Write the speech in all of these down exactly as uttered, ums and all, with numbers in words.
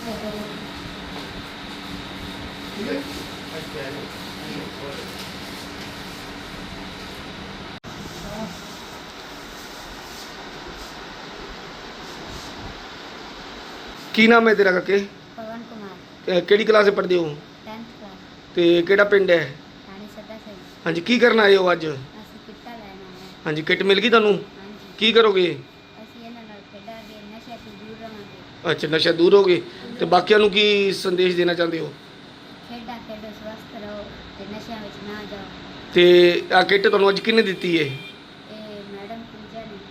ठीक है की नाम है तेरा काके? पवन कुमार केड़ी क्लास पढ़दे हो? टेंथ क्लास ते केड़ा पिंड है? रानी सदा से हाँ जी की करना आए हो अज? ਅਸੀਂ ਕਿੱਟਾ ਲੈਣਾ ਹੈ। हाँ जी किट मिल गई तुहानू? ਹਾਂਜੀ की करोगे? ਅਸੀਂ ਇਹਨਾਂ ਨਾਲ ਖੇਡਾਂਗੇ, ਨਸ਼ੇ ਤੋਂ ਦੂਰ ਰਹਾਂਗੇ। अच्छा नशा दूर हो गए तो बाकियों ਨੂੰ की संदेश देना चाहते हो? ਖੇਡਾਂ ਖੇਡੋ, ਸਵਸਥ ਰਹੋ ਤੇ ਨਸ਼ਿਆਂ ਵਿੱਚ ਨਾ ਜਾਓ। ਤੇ ਆ ਕਿੱਟ ਤੁਹਾਨੂੰ ਅੱਜ ਕਿਹਨੇ ਦਿੱਤੀ ਹੈ? ਇਹ ਮੈਡਮ ਪੂਜਾ ਨੇ।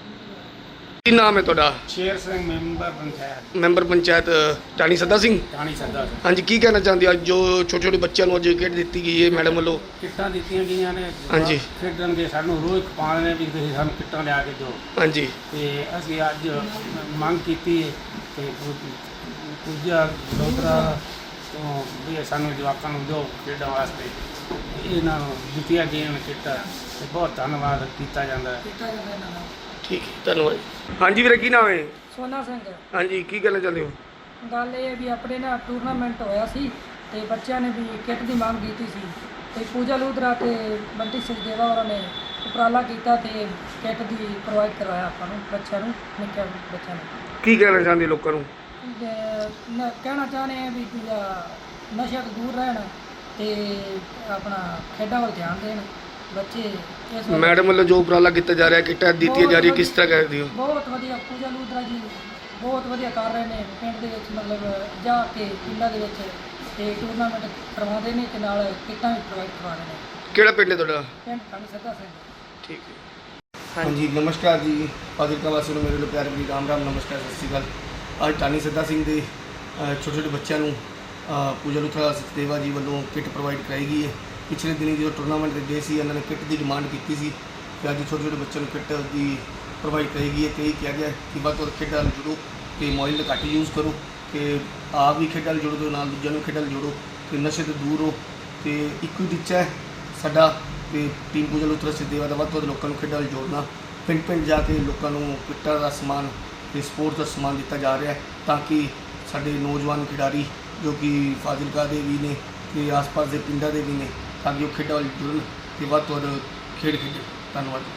ਕੀ ਨਾਮ ਹੈ ਤੁਹਾਡਾ? ਸ਼ੇਰ ਸਿੰਘ ਮੈਂਬਰ ਪੰਚਾਇਤ ਮੈਂਬਰ ਪੰਚਾਇਤ ਟਾਣੀ ਸੱਦਾ ਸਿੰਘ। ਟਾਣੀ ਸੱਦਾ ਸਿੰਘ। ਹਾਂਜੀ ਕੀ ਕਹਿਣਾ ਚਾਹੁੰਦੇ ਹੋ ਅੱਜ ਜੋ ਛੋਟੇ ਛੋਟੇ ਬੱਚਿਆਂ ਨੂੰ ਅੱਜ ਕਿੱਟ ਦਿੱਤੀ ਗਈ ਹੈ ਮੈਡਮ ਵੱਲੋਂ? ਕਿੱਟਾਂ ਦਿੱਤੀਆਂ ਗਈਆਂ ਨੇ। ਹਾਂਜੀ। ਖੇਡਣਗੇ, ਸਾਨੂੰ ਰੋਜ਼ ਖਵਾਉਂਦੇ ਨੇ ਵੀ ਤੁਸੀਂ ਸਾਨੂੰ ਕਿੱਟਾਂ ਲਿਆ ਕੇ ਦਿਓ। ਹਾਂਜੀ ਤੇ ਅਸੀਂ ਅੱਜ ਮੰਗ ਕੀਤੀ ਤੇ ਪੂਜਾ ਲੋਤਰਾ ਤੋਂ ਵੀ ਸਾਨੂੰ ਜਵਾਕਾਂ ਨੂੰ ਦਿਓ ਖੇਡਣ ਵਾਸਤੇ। ਇਹਨਾਂ ਨੂੰ ਦਿੱਤੀਆਂ ਗਈਆਂ ਨੇ ਕਿੱਟਾਂ ਤੇ ਬਹੁਤ ਧੰਨਵਾਦ ਕੀਤਾ ਜਾਂਦਾ ਹੈ। ਠੀਕ ਹੈ ਧੰਨਵਾਦ। ਹਾਂਜੀ ਵੀਰੇ ਕੀ ਨਾਮ ਹੈ? ਸੋਨਾ ਸਿੰਘ। ਹਾਂਜੀ ਕੀ ਕਹਿਣਾ ਚਾਹੁੰਦੇ ਹੋ? ਗੱਲ ਇਹ ਹੈ ਵੀ ਆਪਣੇ ਨਾ ਟੂਰਨਾਮੈਂਟ ਹੋਇਆ ਸੀ ਤੇ ਬੱਚਿਆਂ ਨੇ ਵੀ ਕਿੱਟ ਦੀ ਮੰਗ ਕੀਤੀ ਸੀ ਤੇ ਪੂਜਾ ਲੂਧਰਾ ਤੇ ਬੰਟੀ ਸਚਦੇਵਾ ਹੋਰਾਂ ਨੇ ਉਪਰਾਲਾ ਕੀਤਾ ਤੇ ਕਿੱਟ ਦੀ ਪ੍ਰੋਵਾਈਡ ਕਰਵਾਇਆ ਆਪਾਂ ਨੂੰ, ਬੱਚਿਆਂ ਨੂੰ, ਨਿੱਕੇ ਬੱਚਿਆਂ ਨੂੰ। ਕੀ ਕਹਿਣਾ ਚਾਹੁੰਦੇ ਲੋਕਾਂ ਨੂੰ? ਤੇ ਨ- ਕਹਿਣਾ ਚਾਹੁੰਦੇ ਆ ਵੀ ਦੂਜਾ ਨਸ਼ਿਆਂ ਤੋਂ ਦੂਰ ਰਹਿਣ ਤੇ ਆਪਣਾ ਖੇਡਾਂ ਵੱਲ ਧਿਆਨ ਦੇਣ ਬੱਚੇ। ਇਸ ਵੱਲ ਮੈਡਮ ਵੱਲੋਂ ਜੋ ਉਪਰਾਲਾ ਕੀਤਾ ਜਾ ਰਿਹਾ ਕਿੱਟਾਂ ਦਿੱਤੀਆਂ ਜਾ ਰਹੀਆਂ ਕਿਸ ਤਰ੍ਹਾਂ ਕਰਦੇ ਹੋ? ਬਹੁਤ ਵਧੀਆ ਪੂਜਾ ਲੂਧਰਾ ਜੀ ਬਹੁਤ ਵਧੀਆ ਕਰ ਰਹੇ ਨੇ ਪਿੰਡ ਦੇ ਵਿੱਚ, ਮਤਲਬ ਜਾ ਕੇ ਪਿੰਡਾਂ ਦੇ ਵਿੱਚ ਤੇ ਟੂਰਨਾਮੈਂਟ ਕਰਵਾਉਂਦੇ ਨੇ ਤੇ ਨਾਲ ਕਿੱਟਾਂ ਵੀ ਪ੍ਰੋਵਾਈਡ ਕਰਵਾ ਰਹੇ ਨੇ। ਕਿਹੜਾ ਪਿੰਡ ਹੈ ਤੁਹਾਡਾ? ਪਿੰਡ ਟਾਣੀ ਸੱਦਾ ਸਿੰਘ। ਠੀਕ ਹੈ। ਹਾਂਜੀ ਨਮਸਕਾਰ ਜੀ ਫਾਜ਼ਿਲਕਾ ਵਾਸੀਆਂ ਨੂੰ ਮੇਰੇ ਵੱਲੋਂ ਪਿਆਰ ਭਰੀ ਰਾਮ ਰਾਮ ਨਮਸਕਾਰ ਸਤਿ ਸ਼੍ਰੀ ਅਕਾਲ। ਅੱਜ ਟਾਣੀ ਸੱਦਾ ਸਿੰਘ ਦੇ ਅ, ਛੋਟੇ ਛੋਟੇ ਬੱਚਿਆਂ ਨੂੰ ਅ, ਪੂਜਾ ਲੂਥਰਾ ਸਚਦੇਵਾ ਜੀ ਵੱਲੋਂ ਕਿੱਟ ਪ੍ਰੋਵਾਈਡ ਕਰਾਈ ਗਈ ਹੈ। ਪਿਛਲੇ ਦਿਨੀ ਜਦੋਂ ਟੂਰਨਾਮੈਂਟ ਦੇ ਗਏ ਸੀ ਇਹਨਾਂ ਨੇ ਕਿੱਟ ਦੀ ਡਿਮਾਂਡ ਕੀਤੀ ਸੀ ਕਿ ਅੱਜ ਛੋਟੇ ਛੋਟੇ ਬੱਚਿਆਂ ਨੂੰ ਕਿੱਟ ਦੀ ਪ੍ਰੋਵਾਈਡ ਕਰਾਈ ਗਈ ਹੈ ਤੇ ਇਹ ਕਿਹਾ ਗਿਆ ਕਿ ਵੱਧ ਤੋਂ ਵੱਧ ਖੇਡਾਂ ਨਾਲ ਜੁੜੋ ਤੇ ਮੋਬਾਈਲ ਦਾ ਘੱਟ ਯੂਜ਼ ਕਰੋ ਕਿ ਆਪ ਵੀ ਖੇਡਾਂ ਨਾਲ ਜੁੜੋ ਤੇ ਨਾਲ ਦੂਜਿਆਂ ਨੂੰ ਖੇਡਾਂ ਨਾਲ ਜੋੜੋ ਤੇ ਨਸ਼ੇ ਤੋਂ ਦੂਰ ਰਹੋ। ਤੇ ਇੱਕੋ ਹੀ ਟੀਚਾ ਹੈ ਸਾਡਾ ਤੇ ਟੀਮ ਪੂਜਾ ਲੂਥਰਾ ਸਚਦੇਵਾ ਦਾ ਵੱਧ ਤੋਂ ਵੱਧ ਲੋਕਾਂ ਨੂੰ ਖੇਡਾਂ ਨਾਲ ਜੋੜਨਾ। ਪਿੰਡ ਪਿੰਡ ਜਾ ਕੇ ਲੋਕਾਂ ਨੂੰ ਕਿੱਟਾਂ ਦਾ ਸਮਾਨ ਤੇ ਸਪੋਰਟਸ ਦਾ ਸਮਾਨ ਦਿੱਤਾ ਜਾ ਰਿਹਾ ਹੈ ਤਾਂ ਕਿ ਸਾਡੇ ਨੌਜਵਾਨ ਖਿਡਾਰੀ ਜੋ ਕਿ ਫਾਜ਼ਿਲਕਾ ਦੇ ਵੀ ਨੇ ਤੇ ਆਸ-ਪਾਸ ਦੇ ਪਿੰਡਾਂ ਦੇ ਵੀ ਨੇ ਤਾਂ ਕਿ ਉਹ ਖੇਡਾਂ ਵੱਲ ਜੁੜਨ ਤੇ ਵੱਧ ਤੋਂ ਵੱਧ ਖੇਡ ਖੇਡਣ। ਧੰਨਵਾਦ।